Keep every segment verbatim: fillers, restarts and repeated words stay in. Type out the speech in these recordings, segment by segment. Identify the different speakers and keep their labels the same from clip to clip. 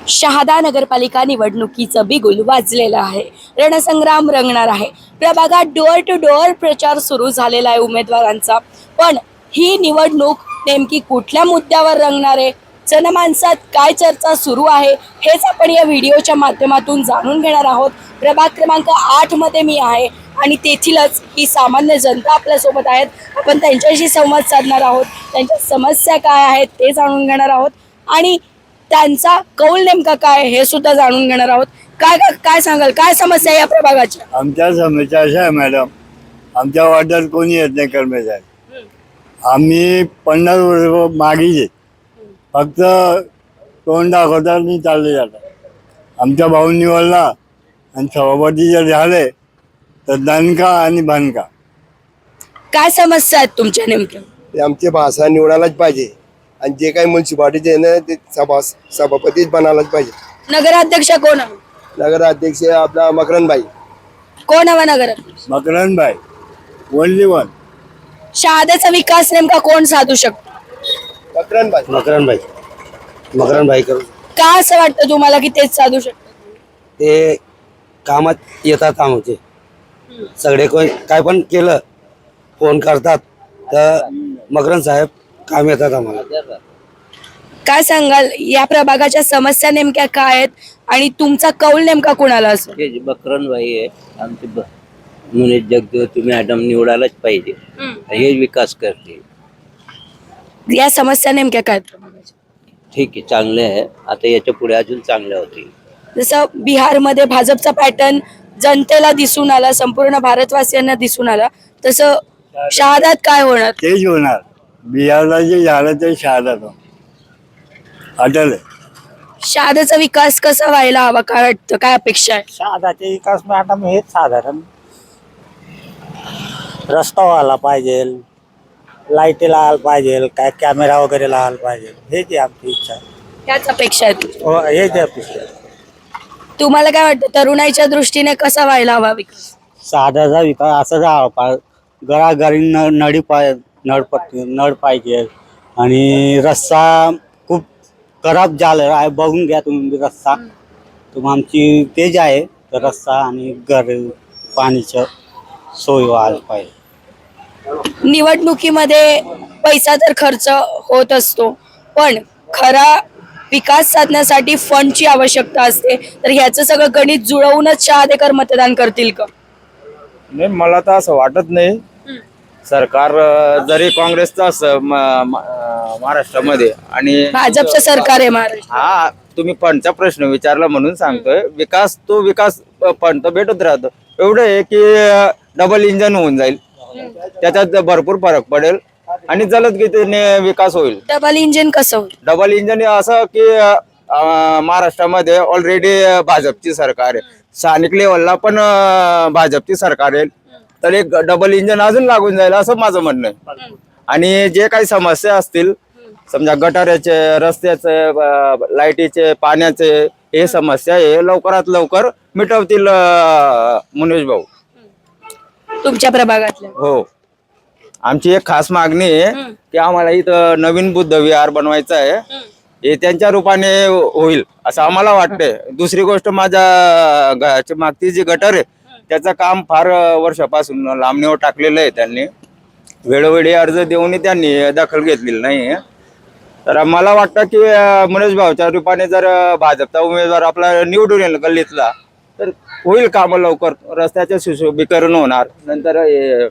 Speaker 1: शहादा नगरपालिका निवडणुकीचं बिगुल वाजलेलं आहे. रणसंग्राम रंगणार आहे. प्रभागात डोअर टू डोअर प्रचार सुरू झालेला आहे उमेदवारांचा. पण ही निवडणूक नेमकी कुठल्या मुद्द्यावर रंगणार आहे, जनमानसात काय चर्चा सुरू आहे, हेच आपण या व्हिडिओच्या माध्यमातून जाणून घेणार आहोत. प्रभाग क्रमांक आठ मध्ये मी आहे आणि तेथीलच ही सामान्य जनता आपल्यासोबत आहेत. आपण त्यांच्याशी संवाद साधणार आहोत. त्यांच्या समस्या काय आहेत ते जाणून घेणार आहोत आणि त्यांचा कौल नेमका काय हे सुद्धा जाणून घेणार आहोत. काय काय काय सांगाल, काय समस्या आहे या प्रभागाच्या?
Speaker 2: आमच्या समस्या अशा आहे मॅडम, आमच्या वार्डात कोणी येत नाही कर्मचारी. आम्ही पन्नास वर्ष मागीच आहेत, फक्त तोंड दाखवतात आणि चालले जातात. आमच्या भाऊ निवडला आणि सभापती जर झाले तर दणका आणि भनका.
Speaker 1: काय समस्या आहेत तुमच्या नेमक्या?
Speaker 3: ते आमचे भाषा निवडायलाच पाहिजे आणि जे काही म्युन्सिपालिटी आहे ना ते सभा सभापतीच बनायलाच पाहिजे.
Speaker 1: नगराध्यक्ष कोण हवं?
Speaker 3: नगराध्यक्ष आपला मकरनबाई.
Speaker 1: कोण हवा नगराध्यक्ष?
Speaker 2: मकरनबाई ओनली वन.
Speaker 1: शहाद्याचा विकास नेमका कोण साधू शकतो?
Speaker 3: मकरनबाई
Speaker 4: मकरनबाई मकरनबाई करू.
Speaker 1: का असं वाटतं तुम्हाला की तेच साधू शकतो?
Speaker 4: ते कामात येतात आमचे सगळे. कोण काय पण केलं फोन करतात तर मकरन साहेब काम येतात आम्हाला.
Speaker 1: काय सांगाल, या प्रभागाच्या समस्या नेमक्या काय आहेत आणि तुमचा कौल नेमका कुणाला असतो?
Speaker 5: हे बकरनबाई आहे आमचे ब- मुनीत जगदेव मॅडम निवडायलाच पाहिजे. हे विकास करते.
Speaker 1: या समस्या नेमक्या काय आहेत प्रभागाच्या?
Speaker 5: ठीक आहे, चांगले आहे. आता याच्या पुढे अजून चांगल्या होतील.
Speaker 1: जसं बिहारमध्ये भाजपचा पॅटर्न जनतेला दिसून आला, संपूर्ण भारतवासियांना दिसून आला, तसं शहादात काय होणार?
Speaker 2: तेच होणार. बिहारला जे झालं ते शहादात अटल आहे.
Speaker 1: शहादाचा विकास कसा व्हायला हवा, काय वाटतं, काय अपेक्षा आहे?
Speaker 6: शहादाचे विकास मॅडम हेच साधारण रस्ता व्हायला पाहिजे, लाईटी लावायला पाहिजे, काय कॅमेरा वगैरे लावायला पाहिजे. हेच आहे आमची इच्छा.
Speaker 1: त्याच अपेक्षा आहेत.
Speaker 6: हो, हेच आहे अपेक्षा.
Speaker 1: तुम्हाला काय वाटतं, तरुणाईच्या दृष्टीने कसा व्हायला हवा विकास?
Speaker 6: शहादाचा विकास असा झाला पाहिजे, घराघरी न नळी पाय नळपट्टी नळ पाहिजे आणि रस्ता खूप खराब झालेला आहे. बघून घ्या तुम्ही रस्ता. तर आमची तेज आहे तर रस्ता आणि घर पाणीचं सोय व्हायला पाहिजे.
Speaker 1: निवडणुकीमध्ये पैसा तर खर्च होत असतो, पण खरा विकास साधण्यासाठी फंडची आवश्यकता असते. तर ह्याचं सगळं गणित जुळवूनच शहादेकर मतदान करतील का?
Speaker 7: नाही, मला तर असं वाटत नाही. सरकार अं, जरी काँग्रेसचं असं म- म- अं, महाराष्ट्रामध्ये आणि
Speaker 1: भाजपचं सरकार आहे महाराष्ट्र.
Speaker 7: हा, तुम्ही फंडचा प्रश्न विचारला म्हणून सांगतोय. विकास तो विकास फंड तर भेटत राहतो. एवढं आहे की डबल इंजन होऊन जाईल, त्याच्यात भरपूर फरक पडेल आणि जलदगतीने विकास होईल.
Speaker 1: डबल इंजिन कसं होईल?
Speaker 7: डबल इंजन हे असं की अं, महाराष्ट्रामध्ये ऑलरेडी भाजपची सरकार आहे, स्थानिक लेवलला पण अं, भाजपची सरकार आहे, तर एक डबल इंजन अजून लागून जाईल असं माझं म्हणणं आहे. आणि जे काही समस्या असतील, समजा गटाराचे, रस्त्याचे, अं, लाईटीचे, पाण्याचे, हे समस्या हे लवकरात लवकर मिटवतील अं, मुनीश भाऊ.
Speaker 1: तुमच्या प्रभागातल्या?
Speaker 7: हो, आमची एक खास मागणी आहे की आम्हाला इथं नवीन बुद्ध विहार बनवायचं आहे. हे त्यांच्या रूपाने होईल असं आम्हाला वाटतंय. दुसरी गोष्ट, माझ्या घराची मागची जी गटर आहे त्याचं काम फार वर्षापासून लांबणीवर टाकलेलं आहे. त्यांनी वेळोवेळी अर्ज देऊनही त्यांनी दखल घेतलेली नाही. तर मला वाटतं की मुनीश भाऊच्या रूपाने जर भाजपचा उमेदवार आपला निवडून येईल गल्लीतला तर होईल कामं लवकर. रस्त्याचे सुशोभीकरण होणार, नंतर हे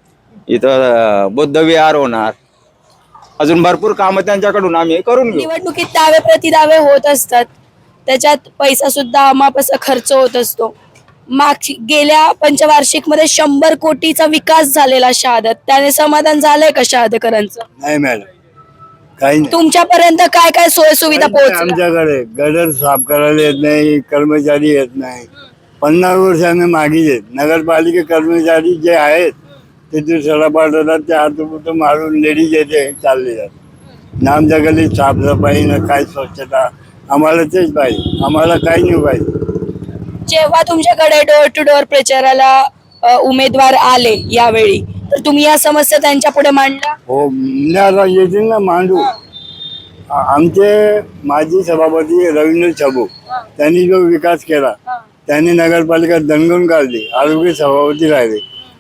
Speaker 7: इथं बुद्ध विहार होणार, अजून भरपूर कामं त्यांच्याकडून आम्ही करून घेऊ.
Speaker 1: निवडणुकीत दावे प्रतिदावे होत असतात, त्याच्यात पैसा सुद्धा अमाप असा खर्च होत असतो. मागची गेल्या पंचवार्षिक मध्ये शंभर कोटीचा विकास झालेला शहादात, त्याने समाधान झालंय का शहादेकरांचं?
Speaker 2: नाही मॅडम, काही नाही.
Speaker 1: तुमच्यापर्यंत काय काय सोय सुविधा पोहोचल्या?
Speaker 2: आमच्याकडे गटर साफ करायला येत नाही, कर्मचारी येत नाही. पन्नास वर्ष आम्ही मागीच आहेत. नगरपालिका कर्मचारी जे आहेत ते दुसऱ्याला पाठवतात, ते हातपुतं मारून लेडीज येते चालले जातात. ना आमच्या गल्लीत साफसफाई ना काय स्वच्छता. आम्हाला तेच पाहिजे, आम्हाला काही नाही पाहिजे.
Speaker 1: जेव्हा तुमच्याकडे डोअर टू डोअर प्रचाराला अ, उमेदवार आले यावेळी, तर तुम्ही या समस्या त्यांच्या पुढे मांडल्या?
Speaker 2: हो, नाही आता येतील ना मांडू. आ- आमचे माजी सभापती रवींद्र छबू त्यांनी जो विकास केला त्यांनी नगरपालिका दणगून काढली, आरोग्य सभापती राहिले.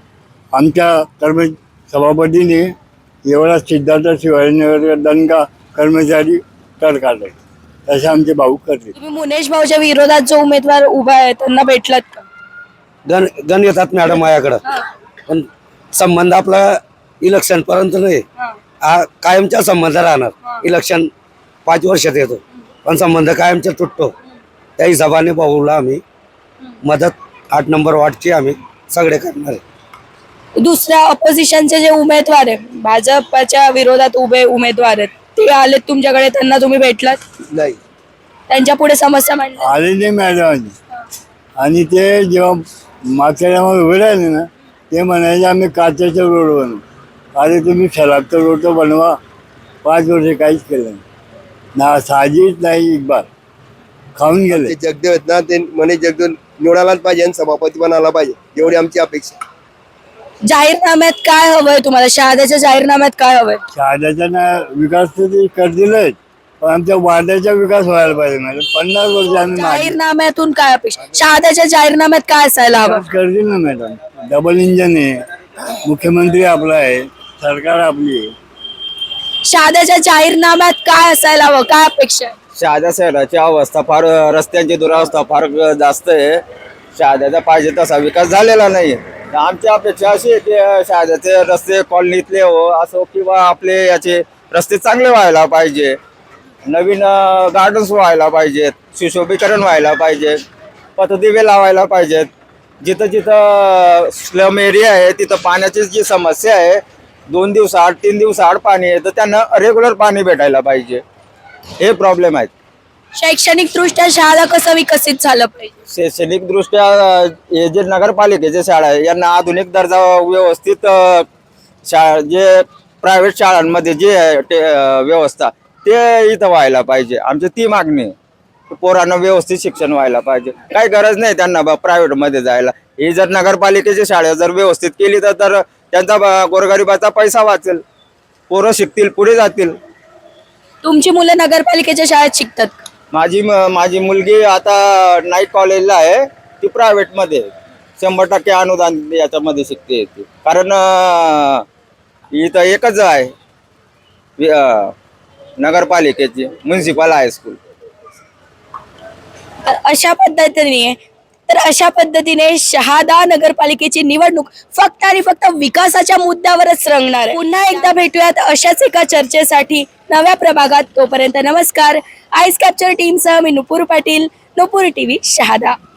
Speaker 2: आमच्या कर्म सभापतीने एवढा सिद्धार्थ शिवाजीनगर दणका कर्मचारी कर काढले. तसे आमचे भाऊ करते.
Speaker 1: तुम्ही मुनेश भाऊच्या विरोधात जो उमेदवार उभा आहे त्यांना भेटलात का?
Speaker 4: गण गण येतात मॅडम माझ्याकडं, पण संबंध आपला इलेक्शन पर्यंत नाही, हा कायमचा संबंध राहणार. इलेक्शन पाच वर्षात येतो, पण संबंध कायमचा तुटतो. त्या हिशोबाने भाऊला आम्ही मदत आठ नंबर वार्डची आम्ही सगळे करणार आहे.
Speaker 1: दुसऱ्या ऑपोजिशनचे जे उमेदवार आहे, भाजपच्या विरोधात उभे उमेदवार आहेत, ते आलेत तुमच्याकडे, त्यांना तुम्ही भेटलात?
Speaker 3: नाही.
Speaker 1: त्यांच्या पुढे समस्या मांडल्या?
Speaker 2: आले नाही मॅडम. आणि ते जेव्हा मागच्या टायमाला उभे राहिले ना, ते म्हणायचे आम्ही काचेचा रोड बनवू. अरे तुम्ही सलाबचा रोड तर बनवा. पाच वर्ष काहीच केलं नाही, ना साजीच नाही, एक बार खाऊन गेले.
Speaker 3: ते जगदेव आहेत ना, ते म्हणे जगदेव निवडायलाच पाहिजे आणि सभापती बनायला पाहिजे, एवढी आमची अपेक्षा.
Speaker 1: जाहीरनाम्यात काय हवंय तुम्हाला? शहाद्याच्या जाहीरनाम्यात काय हवंय?
Speaker 2: शहाद्याचा ना विकास तर ते करतीलच, पण आमच्या वाड्याचा विकास व्हायला पाहिजे मॅडम. पन्नास वर्ष आम्ही मागे
Speaker 1: जाहीरनाम्यातून काय अपेक्षा? शहाद्याच्या जाहीरनाम्यात काय असायला हवं?
Speaker 2: विकास करतील ना मॅडम. डबल इंजन आहे, मुख्यमंत्री आपला आहे, सरकार आपली आहे.
Speaker 1: शहाद्याच्या जाहीरनाम्यात काय असायला हवं? काय अपेक्षा आहे?
Speaker 7: शहादा शहराची अवस्था फार, रस्त्यांची दुरावस्था फार जास्त आहे. शहाद्याचा पाहिजे तसा विकास झालेला नाही. आमची अपेक्षा अशी आहे की शहाद्याचे रस्ते कॉलनीतले हो असो किंवा आपले याचे रस्ते चांगले व्हायला पाहिजे, नवीन गार्डन्स व्हायला पाहिजेत, सुशोभीकरण व्हायला पाहिजे, पथदिवे लावायला पाहिजेत. जिथं जिथं स्लम एरिया आहे तिथं पाण्याची जी समस्या आहे, दोन दिवसाआड तीन दिवसाआड पाणी आहे, तर त्यांना रेग्युलर पाणी भेटायला पाहिजे. हे प्रॉब्लेम आहेत.
Speaker 1: शैक्षणिक दृष्ट्या शहादा कसं विकसित झालं पाहिजे?
Speaker 7: शैक्षणिक दृष्ट्या हे जे नगरपालिकेचे शाळा आहे यांना आधुनिक दर्जा व्यवस्थित अ, शाळा जे प्रायव्हेट शाळांमध्ये जे आहे ते अ, व्यवस्था ते इथं व्हायला पाहिजे. आमची ती मागणी आहे. पोरांना व्यवस्थित शिक्षण व्हायला पाहिजे. काही गरज नाही त्यांना बा प्रायव्हेटमध्ये जायला. ही जर नगरपालिकेची शाळा जर व्यवस्थित केली तर तर त्यांचा ब- गोरगरिबाचा पैसा वाचेल, पोरं शिकतील, पुढे जातील.
Speaker 1: तुमची मुलं नगरपालिकेच्या शाळेत शिकतात का?
Speaker 7: माझी म- माझी मुलगी आता नाईट कॉलेजला आहे, ती प्रायव्हेटमध्ये शंभर टक्के अनुदान याच्यामध्ये शिकते ती. कारण अं, इथं एकच आहे वि- अं, नगरपालिकेची म्युन्सिपल हायस्कूल.
Speaker 1: तर अशा पद्धतीने तर अशा पद्धतीने शहादा नगरपालिकेची निवडणूक फक्त आणि फक्त विकासाच्या मुद्द्यावरच रंगणार आहे. पुन्हा एकदा भेटूयात अशाच एका चर्चेसाठी नव्या प्रभागात. तोपर्यंत नमस्कार. आईस कॅप्चर टीमसह मी नुपूर पाटील, नुपूर टीव्ही शहादा.